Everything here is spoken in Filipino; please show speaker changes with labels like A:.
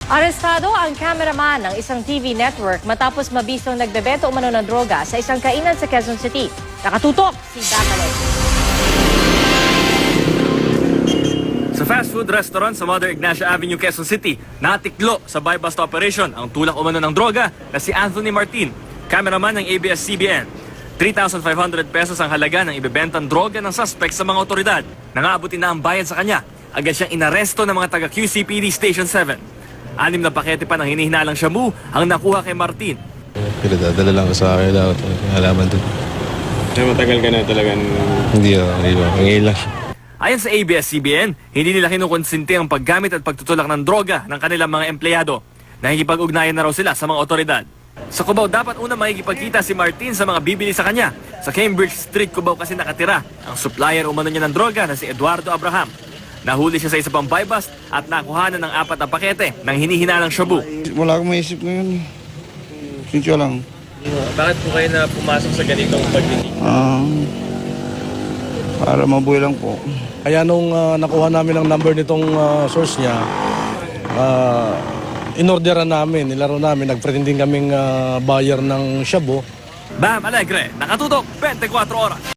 A: Arestado ang cameraman ng isang TV network matapos mabisong nagbebenta umano ng droga sa isang kainan sa Quezon City. Nakatutok si Bacalec.
B: Sa fast food restaurant sa Mother Ignacia Avenue, Quezon City, natiklo sa buy-bust operation ang tulak umano ng droga na si Anthony Martin, cameraman ng ABS-CBN. 3,500 pesos ang halaga ng ibebentang droga ng suspect sa mga otoridad. Nangaabutin na ang bayad sa kanya. Agad siyang inaresto ng mga taga-QCPD Station 7. 6 na pakete pa ng hinihinalang shabu ang nakuha kay Martin.
C: Pinadadala lang ko sa akin daw. Halaman doon.
D: Matagal ka na talaga?
C: Hindi ngayon lang.
B: Ayon sa ABS-CBN, hindi nila kinukonsinti ang paggamit at pagtutulak ng droga ng kanilang mga empleyado. Nakikipag-ugnayan na raw sila sa mga otoridad. Sa Cubao, dapat una makikipagkita si Martin sa mga bibili sa kanya. Sa Cambridge Street, Cubao kasi nakatira ang supplier umano niya ng droga na si Eduardo Abraham. Nahuli siya sa isa pang buy-bust at nakuhanan ng 4 na pakete ng hinihinalang shabu.
E: Wala akong maisip ngayon. Sinsyo lang.
B: Bakit po kayo na pumasok sa ganitong pagdinig?
E: Para mabuhay lang po.
F: Kaya nung nakuha namin ang number nitong source niya, inorderan namin, nilaro namin, nagpretending kaming buyer ng shabu.
B: Bam Alegre, nakatutok 24 oras.